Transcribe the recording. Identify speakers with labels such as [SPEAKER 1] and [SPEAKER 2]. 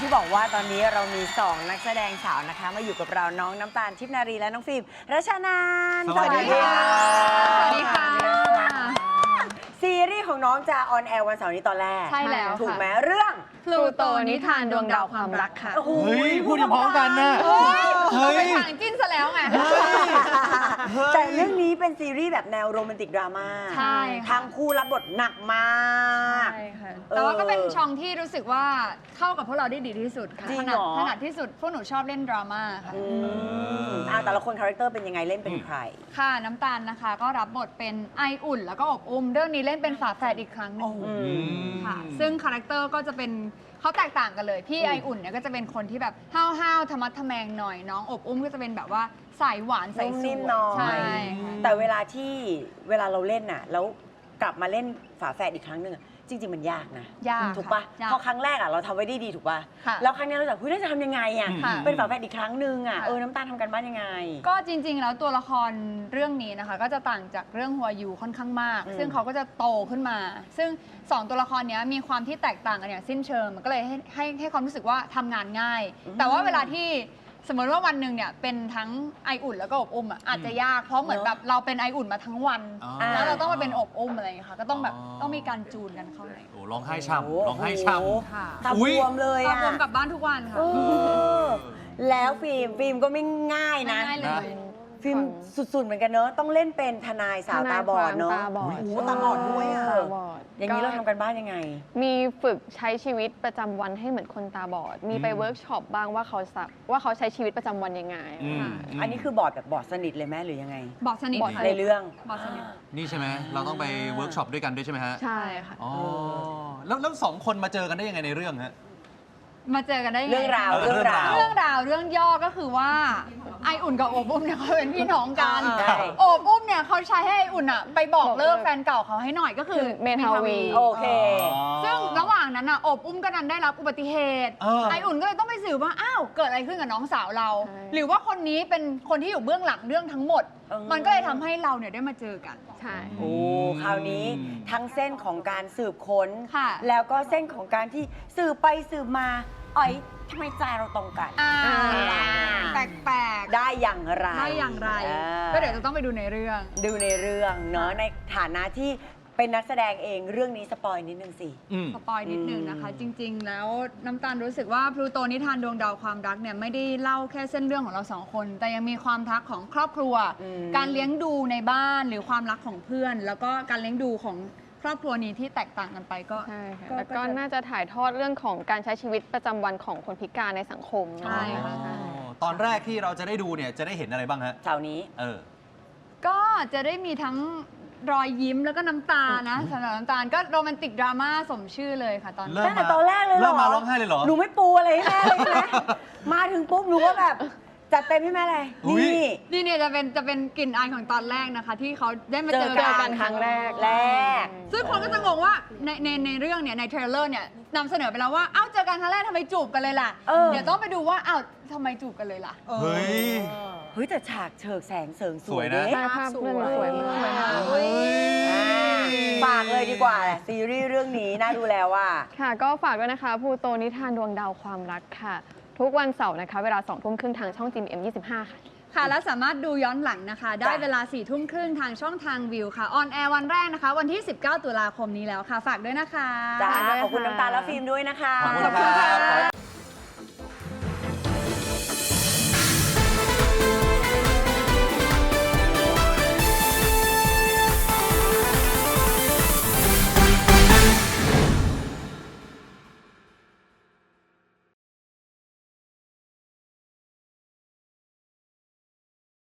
[SPEAKER 1] บอกว่าตอนนี้เรามี2นักแสดงสาวนะคะมาอยู่กับเราน้องน้ำตาลทิพย์นารีและน้องฟิล์มรัชนานท์
[SPEAKER 2] สวัสดีค่ะ
[SPEAKER 3] สวัสดีค่ะ
[SPEAKER 1] ซีรีส์ของน้องจะออนแอร์วันเสาร์นี้ตอนแรก
[SPEAKER 3] ใช่แล้ว
[SPEAKER 1] ถูก
[SPEAKER 3] ค่ะ
[SPEAKER 1] ไหมเรื่อง
[SPEAKER 3] พลูโตนิทานดวงดาวความรักค่ะ
[SPEAKER 1] โอ้โห
[SPEAKER 2] เฮ้ยพูดพร้อมกันนะ
[SPEAKER 3] เราไปทางจิ้นซะแล้วไง
[SPEAKER 1] แต่เรื่องนี้เป็นซีรีส์แบบแนวโรแมนติกดราม่า
[SPEAKER 3] ใช่ค่ะ
[SPEAKER 1] ทั้งคู่รับบทหนักมาก
[SPEAKER 3] ใช่ค่ะแต่ว่าก็เป็นช่องที่รู้สึกว่าเข้ากับพวกเราได้ดีที่สุดค่ะ
[SPEAKER 1] จริง
[SPEAKER 3] ถ
[SPEAKER 1] เห
[SPEAKER 3] นั
[SPEAKER 1] ร
[SPEAKER 3] ด
[SPEAKER 1] อ
[SPEAKER 3] ถนัดที่สุดพวกหนูชอบเล่นดราม่าค่ะ
[SPEAKER 1] แต่ละคนคาแรคเตอร์เป็นยังไงเล่นเป็นใคร
[SPEAKER 3] ค่ะน้ำตาลนะคะก็รับบทเป็นไออุ่นแล้วก็อบอุ้มเรื่องนี้เล่นเป็นฝาแฝดอีกครั้งหนึงค่ะซึ่งคาแรคเตอร์ก็จะเป็นเขาแตกต่างกันเลยพี่ไออุ่นเนี่ยก็จะเป็นคนที่แบบห้าวๆธรรมะทะแมงหน่อยน้องอบอุ้มก็จะเป็นแบบว่าสายหวานสาย
[SPEAKER 1] นุ่ม
[SPEAKER 3] ส
[SPEAKER 1] นิ่ม
[SPEAKER 3] วย
[SPEAKER 1] หน่อย
[SPEAKER 3] ใช่ค่ะ
[SPEAKER 1] แต่เวลาเราเล่นน่ะแล้วกลับมาเล่นฝาแฝดอีกครั้งหนึ่งอะจริง ๆ มันยากนะ
[SPEAKER 3] ยาก
[SPEAKER 1] ถูกปะ
[SPEAKER 3] ยาก
[SPEAKER 1] เพราะครั้งแรกอะเราทำไว้ได้ดีถูกปะ
[SPEAKER 3] ค่ะ
[SPEAKER 1] แล้วครั้งนี้เราจะเฮ้ยเราจะทำยังไงอะ
[SPEAKER 3] ค่ะ
[SPEAKER 1] เป็นฝาแฝดอีกครั้งหนึ่งอะ
[SPEAKER 3] ค่ะ
[SPEAKER 1] น้ำตาลทำกันบ้านยังไง
[SPEAKER 3] ก็จริง ๆ แล้วตัวละครเรื่องนี้นะคะ ก็จะต่างจากเรื่องหัวยูค่อนข้างมาก ซึ่งเขาก็จะโตขึ้นมา ซึ่ง2ตัวละครเนี้ยมีความที่แตกต่างกันอย่างสิ้นเชิงมันก็เลยให้ความรู้สึกว่าทำงานง่าย แต่ว่าเวลาที่สมมติว่าวันหนึ่งเนี่ยเป็นทั้งไออุ่นแล้วก็อบอุ้มอ่ะอาจจะยากเพราะเหมือนแบบเราเป็นไออุ่นมาทั้งวัน
[SPEAKER 2] อ๋อ
[SPEAKER 3] แล้วเราต้องมาเป็นอบอุ้มอะไรอย่างเงี้ยค่ะก็ต้องแบบต้องมีการจูนกันเข้าใน
[SPEAKER 2] โอ้ร้องไห้ช่
[SPEAKER 1] โอ้
[SPEAKER 2] ำร้องไห้ช่
[SPEAKER 1] โอ้
[SPEAKER 3] ค่ะ
[SPEAKER 1] ตาบวมเลย
[SPEAKER 3] ก็
[SPEAKER 1] อะ
[SPEAKER 3] รวมกลับบ้านทุกวันค่ะ
[SPEAKER 1] เออแล้วฟิล์มก็ไม่ง่ายนะ
[SPEAKER 3] ง่ายเลย
[SPEAKER 1] ฟิล์มสุดๆเหมือนกันเนอะต้องเล่นเป็นทนายสาวตาบอดเนอะ
[SPEAKER 4] ทนายความตาบอด
[SPEAKER 1] โอ้โหตาบอดด้วยอะ
[SPEAKER 4] ตาบอด
[SPEAKER 1] อย่างนี้เราทำกันบ้านยังไง
[SPEAKER 4] มีฝึกใช้ชีวิตประจำวันให้เหมือนคนตาบอด มีไปเวิร์กช็อปบ้างว่าเขาใช้ชีวิตประจำวันยังไง
[SPEAKER 2] ำ
[SPEAKER 4] ค่ะ
[SPEAKER 1] อันนี้คือบอดแบบบอดสนิทเลยไหมหรือยังไง
[SPEAKER 3] บอกสนิท
[SPEAKER 4] บอก
[SPEAKER 3] ค่ะ
[SPEAKER 1] ในเรื่อง
[SPEAKER 3] บอกสนิท
[SPEAKER 2] นี่ใช่ไหมเราต้องไปเวิร์กช็อปด้วยกันด้วยใช่ไหมฮะ
[SPEAKER 4] ใช่ค่ะ
[SPEAKER 2] อ๋อแล้วสองคนมาเจอกันได้ยังไงในเรื่องฮะ
[SPEAKER 3] มาเจอกันได้ยังไง
[SPEAKER 1] เรื่องราว
[SPEAKER 2] เรื่องราว
[SPEAKER 3] เรื่องย่อก็คือว่าไออุ่นกับโอบอุ้มเนี่ยเขาเป็นพี่น้องกัน
[SPEAKER 1] ใช่
[SPEAKER 3] โอบอุ้มเนี่ยเขาใช้ให้ไออุ่นอะไปบอกเลิกแฟนเก่าเขาให้หน่อยก็คือ
[SPEAKER 4] เมทาวี
[SPEAKER 1] โอเค
[SPEAKER 3] ซึ่งระหว่างนั้นอะโอบอุ้มก็ดันได้รับอุบัติเหตุ ไออุ่นก็เลยต้องไปสืบว่าอ้าวเกิดอะไรขึ้นกับน้องสาวเรา
[SPEAKER 4] ใช่
[SPEAKER 3] หรือว่าคนนี้เป็นคนที่อยู่เบื้องหลังเรื่องทั้งหมด มันก็เลยทำให้เราเนี่ยได้มาเจอกัน
[SPEAKER 4] ใช่
[SPEAKER 1] โอ้คราวนี้ทั้งเส้นของการสืบค้น
[SPEAKER 3] ค่ะ
[SPEAKER 1] แล้วก็เส้นของการที่สืบไปสืบมาอ๋อยทำไมใจเราตรงกัน
[SPEAKER 3] แปลก
[SPEAKER 1] ได้อย่างไร
[SPEAKER 3] ๆได้อย่างไร ก็เดี๋ยวจะต้องไปดูในเรื่อง
[SPEAKER 1] ดูในเรื่องเนาะในฐานะที่เป็นนักแสดงเองเรื่องนี้สปอยนิดนึงสิ
[SPEAKER 3] สปอยนิดนึงนะคะ จริง ๆ แล้วน้ำตาลรู้สึกว่าพลูโตนิทานดวงดาวความรักเนี่ยไม่ได้เล่าแค่เส้นเรื่องของเราสองคน แต่ยังมีความรักของครอบครัว การเลี้ยงดูในบ้านหรือความรักของเพื่อน แล้วก็การเลี้ยงดูของครอบครัวนี้ที่แตกต่างกันไปก็
[SPEAKER 4] ใช่ค่ะแล้วก็น่าจะถ่ายทอดเรื่องของการใช้ชีวิตประจำวันของคนพิการในสังคม
[SPEAKER 3] ใช่ค่ะ
[SPEAKER 4] ใช่
[SPEAKER 2] ตอนแรกที่เราจะได้ดูเนี่ยจะได้เห็นอะไรบ้างฮะ
[SPEAKER 1] เสาร์นี้
[SPEAKER 3] ก็จะได้มีทั้งรอยยิ้มแล้วก็น้ำตานะสำหรับน้ำตาลก็โรแมนติกดราม่าสมชื่อเลยค่ะตอน
[SPEAKER 2] เริ่
[SPEAKER 3] นี้
[SPEAKER 2] ม
[SPEAKER 1] ตั้งแต่ตอนแรกเลยเหรอ
[SPEAKER 2] เริ่มมาร้องไห้เลยเหรอ
[SPEAKER 1] หนูไม่ปูอะไรให้แม่เลยใช่ไหม มาถึงปุ๊บหนูก็แบบจัดเต็มให้แม่เลย
[SPEAKER 2] อุ๊ย
[SPEAKER 1] นี่
[SPEAKER 3] นี่เนี่ยจะเป็นกลิ่นอายของตอนแรกนะคะ ที่เขาได้มาเจอ
[SPEAKER 1] เจอกั
[SPEAKER 3] กัน
[SPEAKER 4] ครั้งแรก
[SPEAKER 1] แรก
[SPEAKER 3] ซึ่งคนก็จะงงว่าในเรื่องเนี่ยในเทรลเลอร์เนี่ยนำเสนอไปแล้วว่าเอ้าเจอกันครั้งแรกทำไมจูบกันเลยล่ะ เดี๋ยวต้องไปดูว่าอ้าวทำไมจูบกันเลยล่ะ
[SPEAKER 2] เฮ้ย
[SPEAKER 1] เฮ้ยแต่ฉากเฉิกแสงเสริงส
[SPEAKER 2] ส
[SPEAKER 1] ว
[SPEAKER 2] วย ย
[SPEAKER 1] เด้
[SPEAKER 2] นะ
[SPEAKER 4] ใช่ภาพเรื่องนี้สวยมาก
[SPEAKER 1] เฮ้ยฝากเลยดีกว่าซีรีส์เรื่องนี้น่าดูแล้วว่า
[SPEAKER 4] ค่ะก็ฝากด้วยนะคะพลูโตนิทานดวงดาวความรักค่ะ ทุกวันเสาร์นะคะ เวลา2 ทุ่มครึ่งทางช่อง GMM 25 ค่ะ
[SPEAKER 3] ค่ะ และสามารถดูย้อนหลังนะคะ ได้เวลา4 ทุ่มครึ่งทางช่องทางวิวค่ะออนแอร์วันแรกนะคะ วันที่ 19 ตุลาคมนี้แล้วค่ะ ฝากด้วยนะคะ
[SPEAKER 1] จ้าขอบคุณน้ำตาลและฟิล์มด้วยนะคะ
[SPEAKER 2] ขอบคุณครับ